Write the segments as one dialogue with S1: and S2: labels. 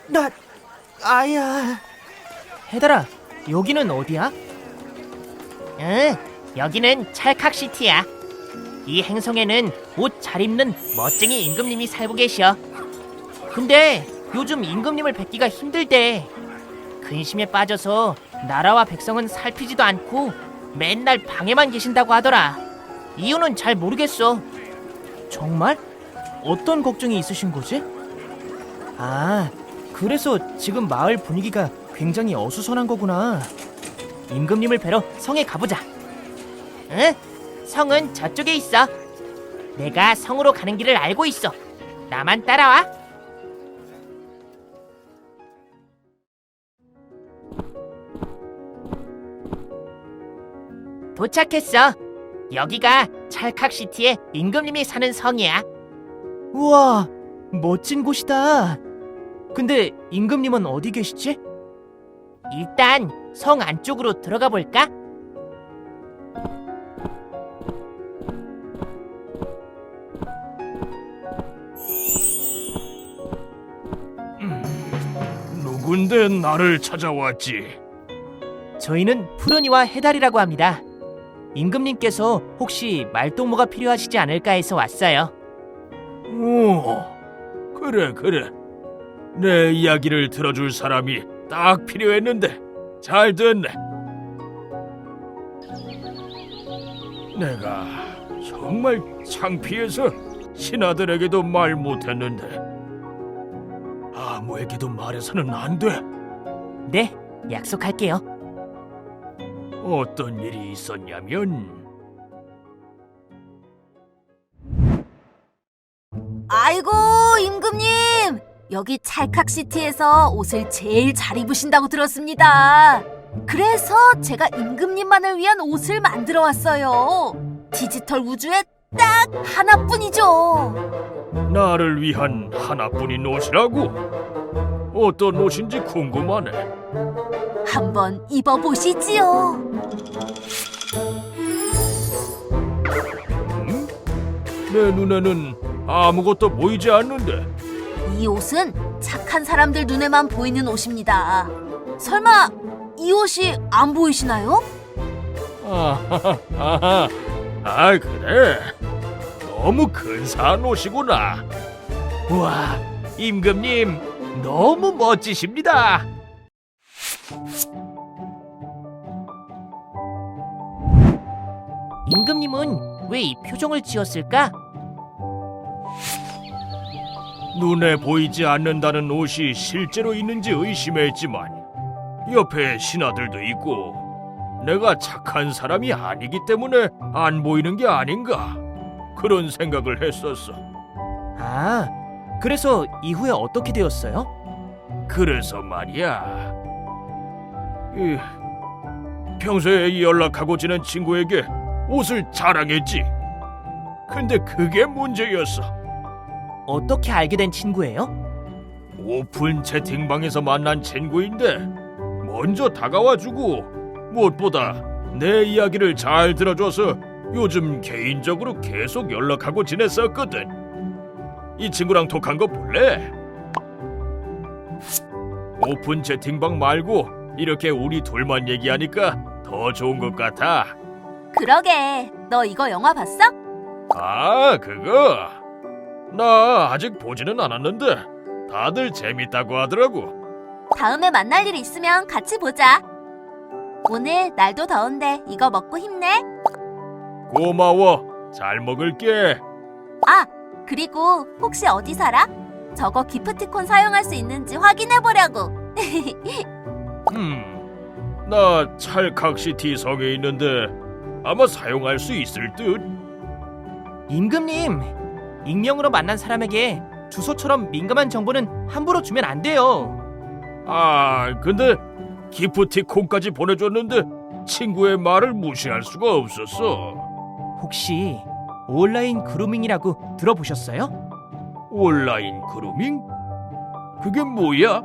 S1: 아야. 해달아, 여기는 어디야?
S2: 응, 여기는 찰칵시티야. 이 행성에는 옷 잘 입는 멋쟁이 임금님이 살고 계셔. 근데 요즘 임금님을 뵙기가 힘들대. 근심에 빠져서 나라와 백성은 살피지도 않고 맨날 방에만 계신다고 하더라. 이유는 잘 모르겠어.
S1: 정말? 어떤 걱정이 있으신 거지? 아, 그래서 지금 마을 분위기가 굉장히 어수선한 거구나.
S2: 임금님을 뵈러 성에 가보자. 응, 성은 저쪽에 있어. 내가 성으로 가는 길을 알고 있어. 나만 따라와. 도착했어. 여기가 찰칵시티의 임금님이 사는 성이야.
S1: 우와, 멋진 곳이다. 근데 임금님은 어디 계시지?
S2: 일단 성 안쪽으로 들어가 볼까?
S3: 누군데 나를 찾아왔지?
S1: 저희는 푸른이와 해달이라고 합니다. 임금님께서 혹시 말동무가 필요하시지 않을까 해서 왔어요.
S3: 오, 그래. 내 이야기를 들어줄 사람이 딱 필요했는데 잘 됐네. 내가 정말 창피해서 신하들에게도 말 못했는데 아무에게도 말해서는 안 돼.
S1: 네, 약속할게요.
S3: 어떤 일이 있었냐면
S4: 아이고, 임금님! 여기 찰칵시티에서 옷을 제일 잘 입으신다고 들었습니다. 그래서 제가 임금님만을 위한 옷을 만들어 왔어요. 디지털 우주에 딱 하나뿐이죠.
S3: 나를 위한 하나뿐인 옷이라고? 어떤 옷인지 궁금하네.
S4: 한번 입어보시지요.
S3: 내 눈에는 아무것도 보이지 않는데.
S4: 이 옷은 착한 사람들 눈에만 보이는 옷입니다. 설마 이 옷이 안 보이시나요?
S3: 아, 그래. 너무 근사한 옷이구나.
S2: 우와, 임금님 너무 멋지십니다. 임금님은 왜 이 표정을 지었을까?
S3: 눈에 보이지 않는다는 옷이 실제로 있는지 의심했지만 옆에 신하들도 있고 내가 착한 사람이 아니기 때문에 안 보이는 게 아닌가 그런 생각을 했었어.
S1: 아, 그래서 이후에 어떻게 되었어요?
S3: 그래서 말이야. 평소에 연락하고 지낸 친구에게 옷을 자랑했지. 근데 그게 문제였어.
S1: 어떻게 알게 된 친구예요?
S3: 오픈 채팅방에서 만난 친구인데 먼저 다가와주고 무엇보다 내 이야기를 잘 들어줘서 요즘 개인적으로 계속 연락하고 지냈었거든. 이 친구랑 톡한 거 볼래? 오픈 채팅방 말고 이렇게 우리 둘만 얘기하니까 더 좋은 것 같아.
S4: 그러게, 너 이거 영화 봤어?
S3: 아, 그거? 나 아직 보지는 않았는데 다들 재밌다고 하더라고.
S4: 다음에 만날 일 있으면 같이 보자. 오늘 날도 더운데 이거 먹고 힘내.
S3: 고마워. 잘 먹을게.
S4: 아, 그리고 혹시 어디 살아? 저거 기프티콘 사용할 수 있는지 확인해 보려고.
S3: 나 찰칵시티 성에 있는데 아마 사용할 수 있을 듯.
S1: 임금님, 익명으로 만난 사람에게 주소처럼 민감한 정보는 함부로 주면 안 돼요.
S3: 아, 근데 기프티콘까지 보내줬는데 친구의 말을 무시할 수가 없었어.
S1: 혹시 온라인 그루밍이라고 들어보셨어요?
S3: 온라인 그루밍? 그게 뭐야?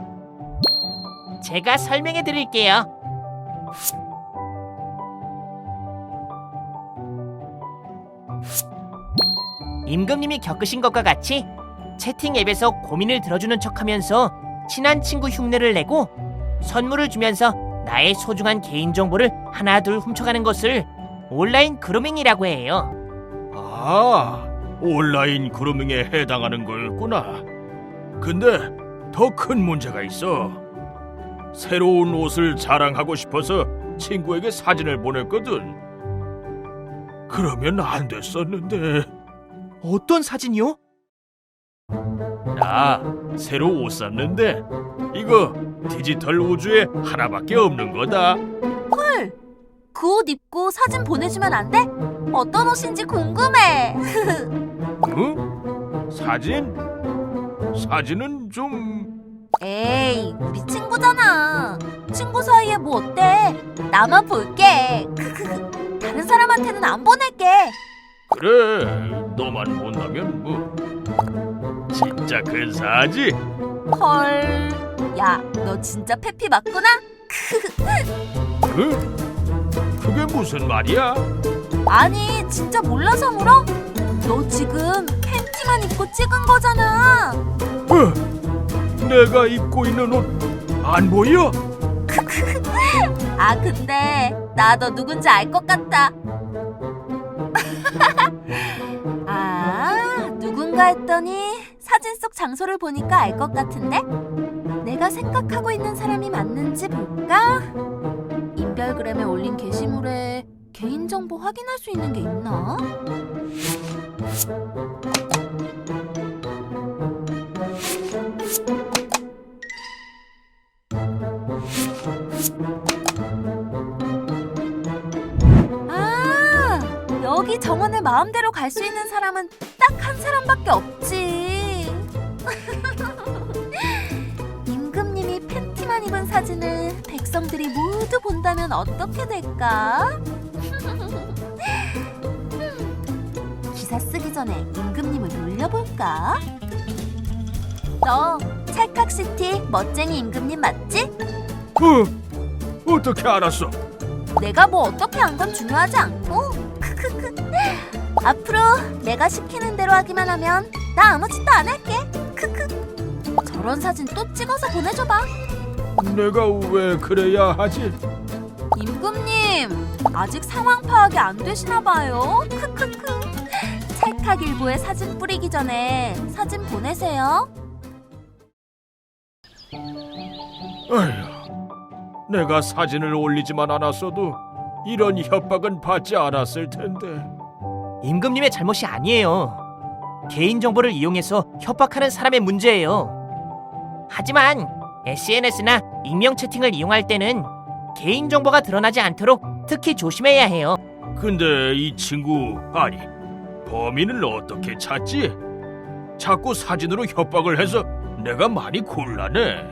S2: 제가 설명해 드릴게요. 임금님이 겪으신 것과 같이 채팅 앱에서 고민을 들어주는 척하면서 친한 친구 흉내를 내고 선물을 주면서 나의 소중한 개인정보를 하나둘 훔쳐가는 것을 온라인 그루밍이라고 해요.
S3: 아, 온라인 그루밍에 해당하는 거였구나. 근데 더 큰 문제가 있어. 새로운 옷을 자랑하고 싶어서 친구에게 사진을 보냈거든. 그러면 안 됐었는데.
S1: 어떤 사진이요?
S3: 나 새로 옷 샀는데 이거 디지털 우주에 하나밖에 없는 거다.
S4: 헐, 그 옷 입고 사진 보내주면 안 돼? 어떤 옷인지 궁금해.
S3: 응? 사진? 사진은 좀...
S4: 에이, 우리 친구잖아. 친구 사이에 뭐 어때? 나만 볼게. 다른 사람한테는 안 보낼게.
S3: 그래, 너만 본다면 뭐 진짜 근사하지?
S4: 헐, 야, 너 진짜 페피 맞구나?
S3: 응? 그게 무슨 말이야?
S4: 아니, 진짜 몰라서 물어? 너 지금 팬티만 입고 찍은 거잖아.
S3: 내가 입고 있는 옷 안 보여?
S4: 아, 근데 나 너 누군지 알 것 같다. 아, 누군가 했더니 사진 속 장소를 보니까 알 것 같은데? 내가 생각하고 있는 사람이 맞는지 볼까? 인별그램에 올린 게시물에 개인정보 확인할 수 있는 게 있나? 아, 여기 정원을 마음대로 갈 수 있는 사람은 딱 한 사람밖에 없지. 임금님이 팬티만 입은 사진을 백성들이 모두 본다면 어떻게 될까? 기사 쓰기 전에 임금님을 놀려볼까? 너 찰칵시티 멋쟁이 임금님 맞지?
S3: 어떻게 알았어?
S4: 내가 뭐 어떻게 한 건 중요하지 않고. 앞으로 내가 시키는 대로 하기만 하면 나 아무 짓도 안 할게. 저런 사진 또 찍어서 보내줘봐.
S3: 내가 왜 그래야 하지?
S4: 임금님, 아직 상황 파악이 안 되시나 봐요. 찰칵일보에 사진 뿌리기 전에 사진 보내세요.
S3: 아휴, 내가 사진을 올리지만 않았어도 이런 협박은 받지 않았을 텐데.
S1: 임금님의 잘못이 아니에요. 개인정보를 이용해서 협박하는 사람의 문제예요.
S2: 하지만 SNS나 익명 채팅을 이용할 때는 개인정보가 드러나지 않도록 특히 조심해야 해요.
S3: 근데 이 친구, 아니, 범인을 어떻게 찾지? 자꾸 사진으로 협박을 해서 내가 많이 곤란해.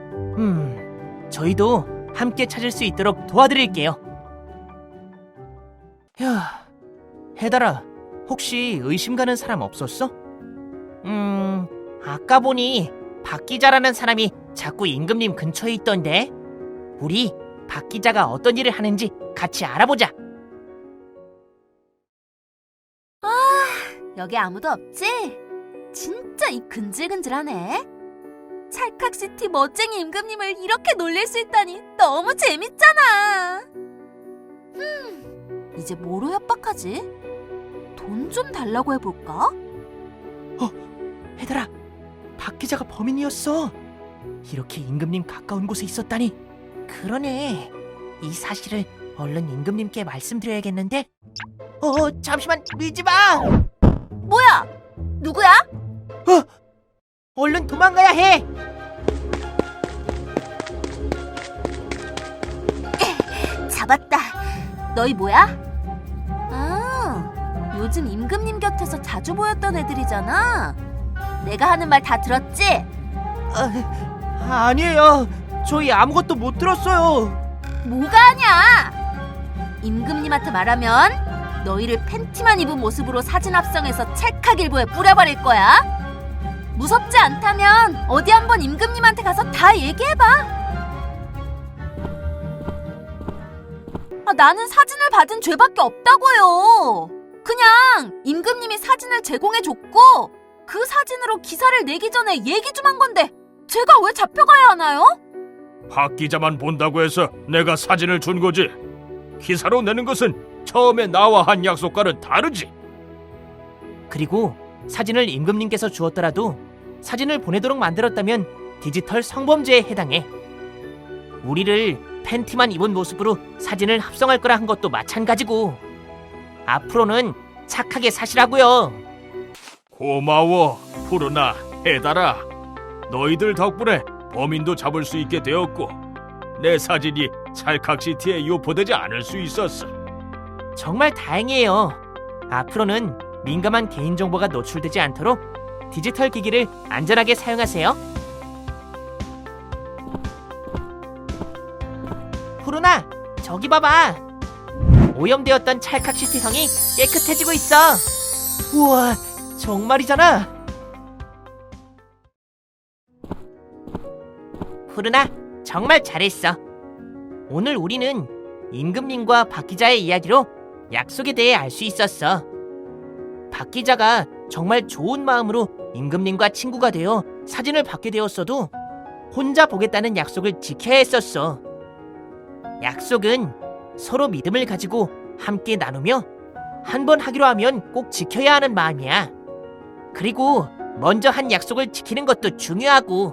S2: 저희도 함께 찾을 수 있도록 도와드릴게요.
S1: 야, 해달아, 혹시 의심 가는 사람 없었어?
S2: 아까 보니 박 기자라는 사람이 자꾸 임금님 근처에 있던데. 우리 박 기자가 어떤 일을 하는지 같이 알아보자.
S4: 여기 아무도 없지? 진짜 입 근질근질하네. 찰칵시티 멋쟁이 임금님을 이렇게 놀릴 수 있다니 너무 재밌잖아. 이제 뭐로 협박하지? 돈 좀 달라고 해볼까?
S1: 해달아, 박 기자가 범인이었어. 이렇게 임금님 가까운 곳에 있었다니.
S2: 그러네. 이 사실을 얼른 임금님께 말씀드려야겠는데. 잠시만 밀지 마.
S4: 뭐야? 누구야?
S2: 얼른 도망가야 해.
S4: 잡았다. 너희 뭐야? 아, 요즘 임금님 곁에서 자주 보였던 애들이잖아. 내가 하는 말 다 들었지?
S1: 아니에요. 저희 아무것도 못 들었어요.
S4: 뭐가 아냐? 임금님한테 말하면 너희를 팬티만 입은 모습으로 사진 합성해서 찰칵일보에 뿌려버릴 거야. 무섭지 않다면 어디 한번 임금님한테 가서 다 얘기해봐. 나는 사진을 받은 죄밖에 없다고요. 그냥 임금님이 사진을 제공해줬고 그 사진으로 기사를 내기 전에 얘기 좀 한 건데 제가 왜 잡혀가야 하나요?
S3: 박 기자만 본다고 해서 내가 사진을 준 거지. 기사로 내는 것은 처음에 나와 한 약속과는 다르지.
S2: 그리고 사진을 임금님께서 주었더라도 사진을 보내도록 만들었다면 디지털 성범죄에 해당해. 우리를 팬티만 입은 모습으로 사진을 합성할 거라 한 것도 마찬가지고. 앞으로는 착하게 사시라고요.
S3: 고마워, 푸르나, 해달아. 너희들 덕분에 범인도 잡을 수 있게 되었고 내 사진이 찰칵시티에 유포되지 않을 수 있었어.
S2: 정말 다행이에요. 앞으로는 민감한 개인정보가 노출되지 않도록 디지털 기기를 안전하게 사용하세요. 푸르나, 저기 봐봐. 오염되었던 찰칵시티 성이 깨끗해지고 있어. 우와, 정말이잖아. 푸르나, 정말 잘했어. 오늘 우리는 임금님과 박 기자의 이야기로 약속에 대해 알 수 있었어. 박 기자가 정말 좋은 마음으로 임금님과 친구가 되어 사진을 받게 되었어도 혼자 보겠다는 약속을 지켜야 했었어. 약속은 서로 믿음을 가지고 함께 나누며 한 번 하기로 하면 꼭 지켜야 하는 마음이야. 그리고 먼저 한 약속을 지키는 것도 중요하고.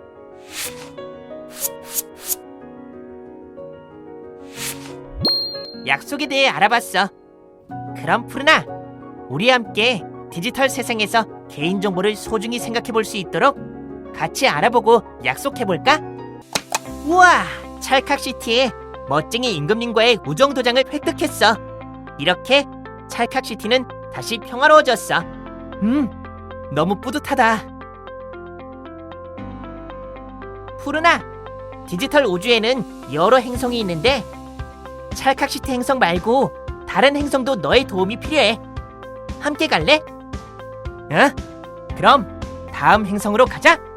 S2: 약속에 대해 알아봤어. 그럼 푸르나, 우리 함께 디지털 세상에서 개인정보를 소중히 생각해 볼 수 있도록 같이 알아보고 약속해볼까? 우와, 찰칵시티에 멋쟁이 임금님과의 우정도장을 획득했어. 이렇게 찰칵시티는 다시 평화로워졌어. 너무 뿌듯하다. 푸르나, 디지털 우주에는 여러 행성이 있는데 찰칵시티 행성 말고 다른 행성도 너의 도움이 필요해. 함께 갈래? 그럼 다음 행성으로 가자.